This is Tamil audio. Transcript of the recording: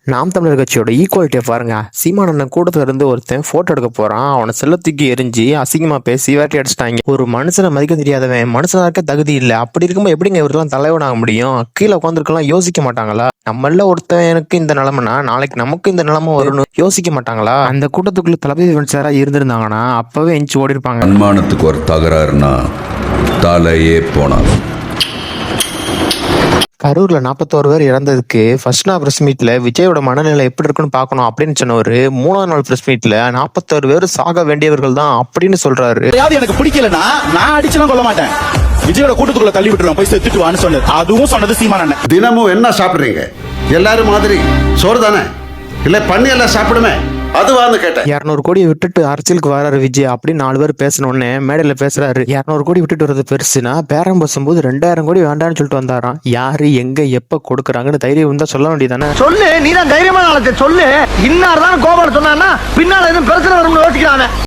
நாம் தமிழர் கட்சியோட ஈக்குவாலிட்டியை பாருங்க. சீமானண்ணன் கூட்டத்துல இருந்து ஒருத்தன் போட்டோ எடுக்க போறான். அவனை செல்லத்துக்கு எரிஞ்சு அசிங்கமா பேசி வேட்டி அடிச்சிட்டாங்க. ஒரு மனுஷனை மதிக்க தெரியாதவன், மனுஷனா இருக்க தகுதி இல்லை. அப்படி இருக்கும்போது எப்படிங்க இவரெல்லாம் தலைவனாக முடியும்? கீழே உட்காந்துருக்கலாம் யோசிக்க மாட்டாங்களா? நம்மள ஒருத்தவனுக்கு இந்த நிலைமைனா நாளைக்கு நமக்கு இந்த நிலைமை வரும்னு யோசிக்க மாட்டாங்களா? அந்த கூட்டத்துக்குள்ள தளபதி சாரா இருந்திருந்தாங்கன்னா அப்பவே எஞ்சி ஓடி இருப்பாங்க. அன்மானத்துக்கு ஒரு தகராறுனா தலையே போனாலும். கரூர்ல 41 பேர் இறந்ததுக்கு ஃபர்ஸ்ட் நாள் பிரஸ் மீட்ல விஜயோட மனநிலை எப்படி இருக்குன்னு பார்க்கணும் அப்படின்னு சொன்னவர் 3ஆவது நாள் பிரஸ் மீட்ல 41 பேர் சாக வேண்டியவர்கள் தான் அப்படின்னு சொல்றாரு. எனக்கு பிடிக்கலன்னா நான் அடிச்சுலாம் கொள்ள மாட்டேன். விஜயோட கூட்டத்துக்குள்ள தள்ளி விட்டுருவோம், போய் செத்துட்டு வான்னு சொன்னது. அதுவும் சொன்னது சீமானண்ணன். தினமும் என்ன சாப்பிடுறீங்க? எல்லாரும் மாதிரி சோறு தானே, இல்ல பண்ணி எல்லாம் சாப்பிடுமே, அதுவான்னு கேட்டேன். 200 கோடியை விட்டுட்டு அரசியலுக்கு வராரு விஜய் அப்படின்னு 4 பேர் பேசினோடனே மேடையில பேசுறாரு. 200 கோடி விட்டுட்டு வர்றது பெருசுனா பேரம் பேசும்போது 2000 கோடி வேண்டாம்னு சொல்லிட்டு வந்தாராம். யாரு எங்க எப்ப கொடுக்குறாங்கன்னு தைரியம் இருந்தா சொல்ல வேண்டியதானே? சொல்லு, நீ தான் தைரியமான ஆளத்தை சொல்லு. இன்னார் தான் கோபால் சொன்னா பின்னால எதுவும் பிரச்சனை வரும்னு யோசிக்கிறாங்க.